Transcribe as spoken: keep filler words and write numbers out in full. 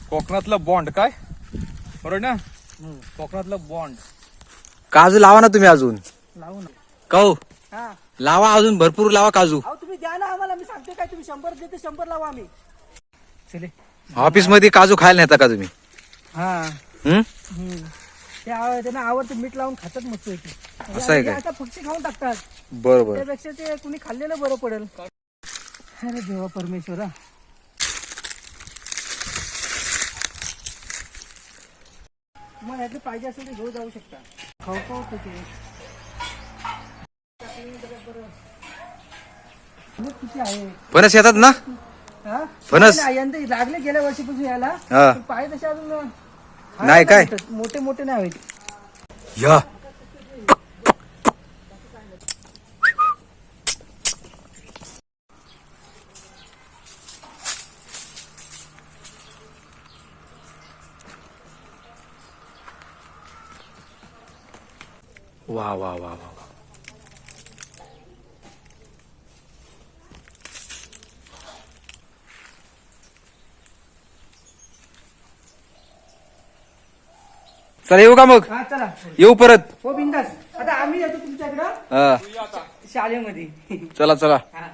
कोकणातला बॉन्ड काय बरोबर ना? कोकणातला बॉन्ड. काजू लावा ना तुम्ही अजून. लावू ना. काऊ हा लावा अजून भरपूर लावा काजू. अहो तुम्ही द्या ना आम्हाला, मी सांगते काय, तुम्ही शंभर देते शंभर लावा आम्ही. चले. ऑफिस मध्ये काजू खायला नेता का तुम्ही? हा हम्म हम्म. ते आव- त्यांना आवडतं, मीठ लावून खातात मस्त पैकी. असं आहे हे काय? आता पक्षी खाऊन टाकतात, बरोबर. त्यापेक्षा ते कुणी खाल्लेलं बरं पडेल. अरे देवा परमेश्वरा. मग यातले पाहिजे असेल ते घेऊ जाऊ शकता. खाऊ खाऊ ते किती आहे. फणस येतात ना? हा? फणस? नाही, यंदा लागले गेल्या वर्षीपासून यायला. हा. पण पाय तसे अजून नाही काय? मोठे मोठे नाही होत. या वा वा वा वा. चला येऊ का मग? हा चला. येऊ परत. हो बिंदास. आता आम्ही येतो तुमच्याकडं हा शाळेमध्ये. चला चला. हा